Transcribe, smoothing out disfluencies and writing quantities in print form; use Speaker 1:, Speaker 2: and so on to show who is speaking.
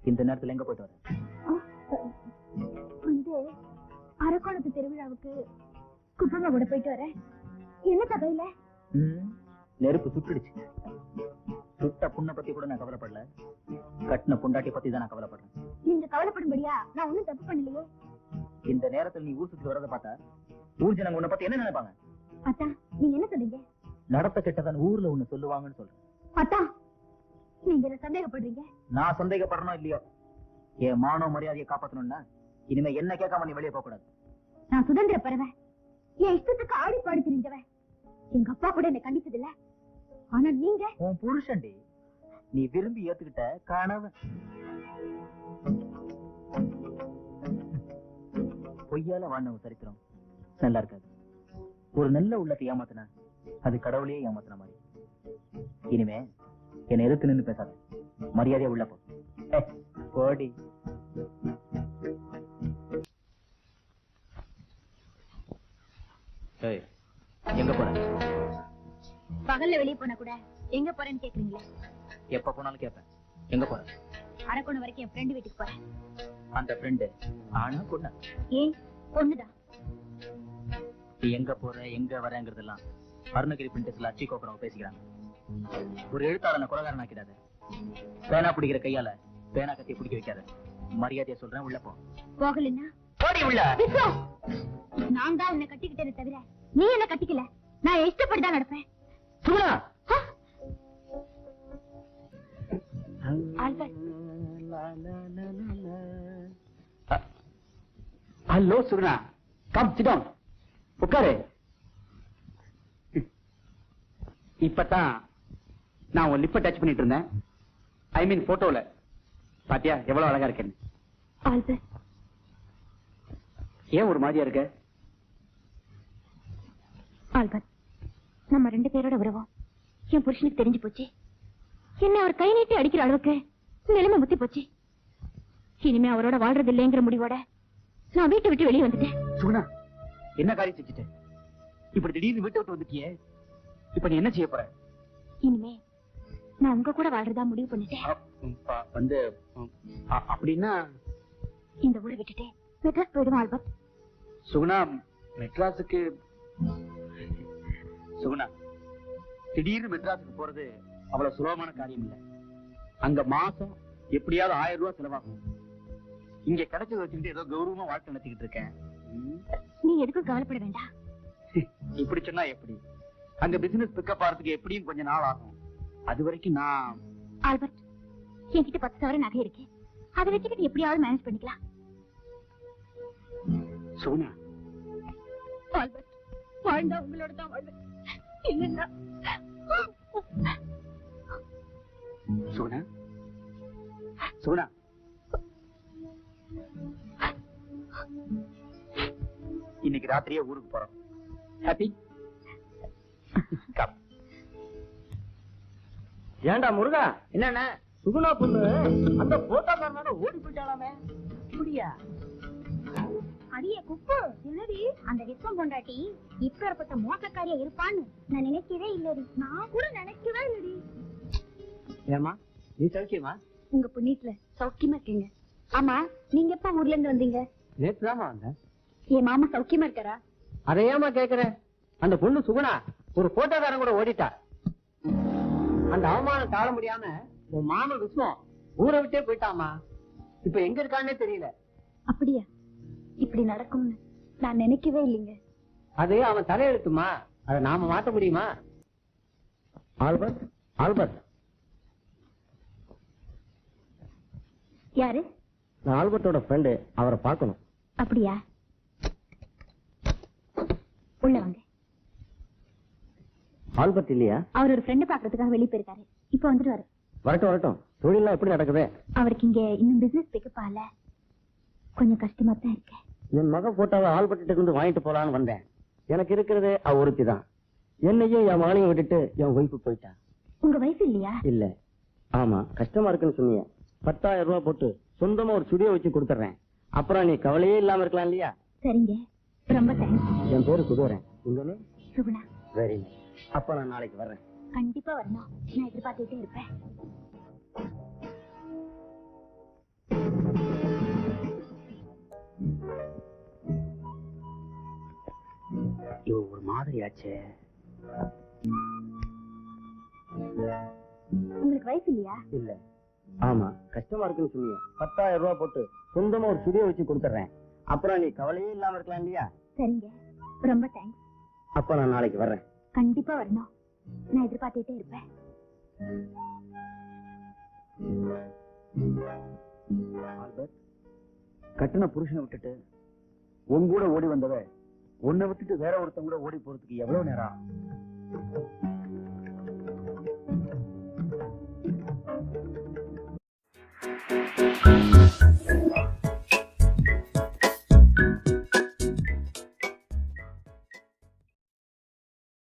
Speaker 1: இந்த நேரத்துல எங்க போயிட்டு வர?
Speaker 2: வந்து அரக்கோணத்து திருவிழாவுக்கு குப்பமா கூட போயிட்டு வரேன். என்ன தகையில
Speaker 1: நெருப்பு சுட்டுடுச்சு. சுட்ட புண்ணை பத்தி கூட நான் கவலைப்படல, கட்டின பொண்டாட்டி பத்தி தான் நான் கவலைப்படுறேன்.
Speaker 2: நீங்க கவலைப்படும்படியா நான் ஒண்ணும் தப்பு பண்ணலையே.
Speaker 1: இந்த நேரத்தில் நீ ஊர் சுத்தி வரத பார்த்தா ஊர் ஜனங்க உன்னை பத்தி என்ன நினைப்பாங்க?
Speaker 2: அத்தா நீங்க என்ன சொல்றீங்க?
Speaker 1: நடத்த கெட்டதான் ஊர்ல ஒண்ணு சொல்லுவாங்கன்னு சொல்றேன்.
Speaker 2: அத்தா நீங்க என்ன சந்தேகப்படுறீங்க?
Speaker 1: நான் சந்தேகப்படணும் இல்லையோ, என் மானோ மரியாதையை காப்பாத்தணும்னா இனிமே என்ன கேட்காம நீ வெளியே போக கூடாது.
Speaker 2: நான் சுதந்திர பறவை, என் இஷ்டத்துக்கு ஆடி பாடி தெரிஞ்சவன். எங்க அப்பா கூட என்ன கண்டிச்சது இல்ல. ஆனா நீங்க
Speaker 1: உன் புருஷன்டி, நீ விரும்பி ஏத்துக்கிட்ட கணவன். பொய்யால வாழ்ந்தவங்க சரித்திரம் நல்லா இருக்காது. ஒரு நல்ல உள்ளத்தை ஏமாத்தினா அது கடவுளையே ஏமாத்தின மாதிரி. இனிமே என்னை எதிர்த்து நின்று பேசாத, மரியாதையா உள்ள போ. போடி. எங்க போற?
Speaker 2: பகல்ல வெளியே போன கூட எங்க போறேன்னு கேக்குறீங்களே.
Speaker 1: எப்ப போனாலும் கேட்பேன். எங்க போற?
Speaker 2: அரக்கோணம் வரைக்கும் என் ஃப்ரெண்டு வீட்டுக்கு போறேன்.
Speaker 1: அந்த ஃப்ரெண்டு ஆனா பொண்ணா?
Speaker 2: ஏன் பொண்ணுதான்.
Speaker 1: நீ எங்க போற எங்க வரங்கிறதெல்லாம் அருணகிரி பிரிண்டஸ்ல அச்சி கோக்குறவங்க பேசிக்கிறாங்க. ஒரு எழுத்தாளனை குலகாரன் ஆக்கிடாத. பேனா பிடிக்கிற கையால பேனா கத்தி பிடிக்க வைக்காத. மரியாதையா சொல்றேன், உள்ள போ.
Speaker 2: போகலன்னா
Speaker 1: போடி உள்ள.
Speaker 2: நான் தான் உன்னை கட்டிக்கிட்டே தவிர நீ என்ன கட்டிக்கல. நான் இஷ்டப்படிதான் நடப்பேன்.
Speaker 3: Hello Suguna, come sit down, உட்காரு. இப்பதான் நான் உன் லிப்பை டச் பண்ணிட்டு இருந்தேன். ஐ மீன் போட்டோல. பாத்தியா எவ்வளவு அழகா இருக்கேன்னு? ஏன் ஒரு மாதிரியா இருக்க?
Speaker 2: ஆல்பர்ட், நம்ம 2 பேரோட உறவும் என் புருஷனுக்கு தெரிஞ்சு போச்சு. என்ன அவர் கை நீட்டி அடிக்கிற அளவுக்கு நிலைமை முத்தி போச்சு. இனிமே அவரோட வாழ்றது இல்லைங்கிற முடிவோட நான் வீட்டை விட்டு வெளியே வந்துட்டேன்.
Speaker 3: சுகுணா, என்ன காரியம் செஞ்சுட்ட? இப்படி திடீர்னு வீட்டை விட்டு வந்துட்டியே, இப்ப நீ என்ன செய்ய போற?
Speaker 2: இனிமே நான் உங்க கூட வாழ்றதா முடிவு பண்ணிட்டேன்.
Speaker 3: வந்து அப்படின்னா
Speaker 2: இந்த ஊரை விட்டுட்டு மெட்ராஸ் போயிடும். ஆல்பர்ட்.
Speaker 3: சுகுணா, மெட்ராஸுக்கு? சுகுணா, திடீர்னு மெட்ராஸுக்கு போறது அவ்வளவு சுலபமான காரியம் இல்ல. அங்க மாசம் எப்படியாவது 1000 ரூபாய் செலவாகும். இங்க கிடைச்சது வச்சுக்கிட்டு ஏதோ கௌரவமா வாழ்க்கை நடத்திக்கிட்டு இருக்கேன்.
Speaker 2: நீ எதுக்கும் கவலைப்பட வேண்டாம்.
Speaker 3: இப்படி சொன்னா எப்படி? அங்க பிசினஸ் பிக்கப் ஆறதுக்கு எப்படியும் கொஞ்ச நாள் ஆகும். அது வரைக்கும் நான்...
Speaker 2: ஆல்பர்ட், என்கிட்ட 10,000 நகை இருக்கு. அதை வச்சுக்கிட்டு எப்படியாவது மேனேஜ் பண்ணிக்கலாம்.
Speaker 3: சுகுணா,
Speaker 2: ஆல்பர்ட், வாழ்ந்தா உங்களோட தான் வாழ்வேன். இல்லைன்னா...
Speaker 3: சுகுணா, சுகுணா, இன்னைக்கு ராத்திரியே ஊருக்கு போறோம். ஹாப்பி?
Speaker 4: ஏண்டா முருகா, என்னன்னா சுகுணா பொண்ணு அந்த போட்டோக்காரனோட ஓடி போயிட்டாலாமே. அப்படியா?
Speaker 2: அடியே குப்பு, என்னடி அந்த விஸ்வம் பொண்டாட்டி இப்பேற்பட்ட மோசக்காரியா இருப்பான்னு நான் நினைக்கவே இல்லடி. நான் கூட நினைக்கவே இல்லடி.
Speaker 4: ஏமா, நீ சௌக்கியமா?
Speaker 2: உங்க புண்ணியத்துல சௌக்கியமா இருக்கீங்க. ஆமா, நீங்க எப்ப ஊர்ல இருந்து வந்தீங்க?
Speaker 4: நேற்று தாமா வந்தேன்.
Speaker 2: என் மாமா சௌக்கியமா இருக்காரா?
Speaker 4: அதையாமா கேக்குற? அந்த பொண்ணு சுகுணா ஒரு போட்டோக்காரன் கூட ஓடிட்டா. அந்த அவமானம் தாழ முடியாம உன் மாமன் விஸ்வம் ஊரை விட்டே போயிட்டாமா. இப்ப எங்க இருக்கான்னே தெரியல.
Speaker 2: அப்படியா? இப்படி நடக்கும்னு நான் நினைக்கவே இல்லைங்க.
Speaker 4: அது அவன் தலையெழுத்துமா, அதை நாம மாத்த முடியுமா? Albert, Albert.
Speaker 2: யாரு?
Speaker 4: நான் ஆல்பர்ட்டோட ஃப்ரெண்டு, அவரை பார்க்கணும்.
Speaker 2: அப்படியா? உள்ள வாங்க.
Speaker 4: ஆல்பர்ட் இல்லையா?
Speaker 2: அவர் ஒரு ஃப்ரெண்டு பாக்குறதுக்காக வெளியே போயிருக்காரு. இப்ப வந்துருவாரு.
Speaker 4: வரட்டும் வரட்டும். தொழிலாம் எப்படி நடக்குது?
Speaker 2: அவருக்கு இங்க இன்னும் பிசினஸ் பிக்கப் ஆகல. கொஞ்சம் கஷ்டமா தான் இருக்கு.
Speaker 4: என் மக போட்டோவை ஆல்பர்ட்ட இருந்து வாங்கிட்டு போலான்னு வந்தேன். எனக்கு இருக்கிறது அவ ஒருத்தி தான். என்னையும் என் மகனையும் விட்டுட்டு என் ஒய்ஃபு போயிட்டா.
Speaker 2: உங்க வயசு இல்லையா?
Speaker 4: இல்ல. ஆமா, கஷ்டமா இருக்குன்னு சொன்னீங்க. 10,000 ரூபாய் போட்டு சொந்தமா ஒரு ஸ்டுடியோ வச்சு கொடுத்துறேன். அப்புறம் நீ கவலையே இல்லாம இருக்கலாம் இல்லையா?
Speaker 2: சரிங்க, ரொம்ப தேங்க்ஸ்.
Speaker 4: என் பேரு சுதோரன். உங்க
Speaker 2: சுகுணா.
Speaker 4: Very nice. அப்ப நான் நாளைக்கு வர்றேன்.
Speaker 2: கண்டிப்பா வரணும். நான் எதிர்பார்த்துட்டே இருப்பேன்.
Speaker 3: இவ ஒரு மாதிரி ஆச்சே.
Speaker 2: உங்களுக்கு வயசு இல்லையா?
Speaker 3: இல்ல. ஆமா, கஷ்டமா இருக்குன்னு சொன்னீங்க. 10,000 ரூபாய் போட்டு சொந்தமா ஒரு சுடியோ வச்சு கொடுத்துறேன். அப்புறம் நீ கவலையே இல்லாம இருக்கலாம் இல்லையா?
Speaker 2: சரிங்க, ரொம்ப தேங்க்ஸ்.
Speaker 3: அப்ப நான் நாளைக்கு வர்றேன்.
Speaker 2: கண்டிப்பா வரணும். நான் எதிர்பார்த்துட்டே இருப்பேன்.
Speaker 3: ஆல்பர்ட், கட்டின புருஷனை விட்டுட்டு உன் கூட ஓடி வந்தவ உன்னை விட்டுட்டு வேற ஒருத்தன் கூட ஓடி போறதுக்கு எவ்வளவு நேரம்?